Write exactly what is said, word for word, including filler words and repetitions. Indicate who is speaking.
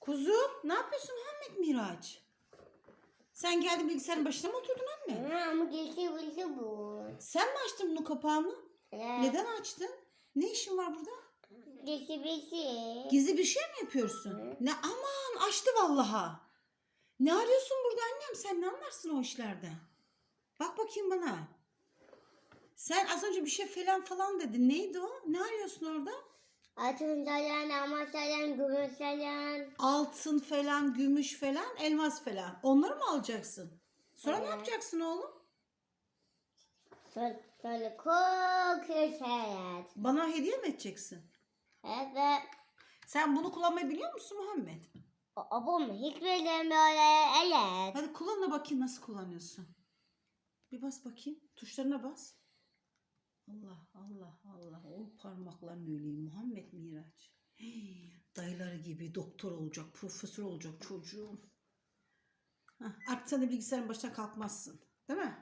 Speaker 1: Kuzum ne yapıyorsun Muhammed Miraç? Sen geldin bilgisayarın başına mı oturdun anne?
Speaker 2: Ama geçti burası bu.
Speaker 1: Sen mi açtın bunun kapağını?
Speaker 2: Evet.
Speaker 1: Neden açtın? Ne işin var burada?
Speaker 2: Geçti burası.
Speaker 1: Gizli bir şey mi yapıyorsun?
Speaker 2: Hı.
Speaker 1: Ne aman açtı vallaha. Ne arıyorsun burada annem? Sen ne anlarsın o işlerden? Bak bakayım bana. Sen az önce bir şey falan falan dedin. Neydi o? Ne arıyorsun orada?
Speaker 2: Altın sayan, ama sayan, gümüş sayan.
Speaker 1: Altın falan, gümüş falan, elmas falan. Onları mı alacaksın? Sonra ne
Speaker 2: Evet.
Speaker 1: yapacaksın oğlum?
Speaker 2: Sonra, sonra kokuyor hayat.
Speaker 1: Bana hediye mi edeceksin?
Speaker 2: Evet.
Speaker 1: Sen bunu kullanmayı biliyor musun Muhammed?
Speaker 2: Abam hiç bilmiyorum böyle. Evet.
Speaker 1: Hadi kullan da bakayım nasıl kullanıyorsun. Bir bas bakayım. Tuşlarına bas. Allah Allah Allah. O parmakların öyleyim Muhammed Miraç. Hey, dayıları gibi doktor olacak, profesör olacak çocuğum. Hah, artık sen de bilgisayarın başına kalkmazsın. Değil mi?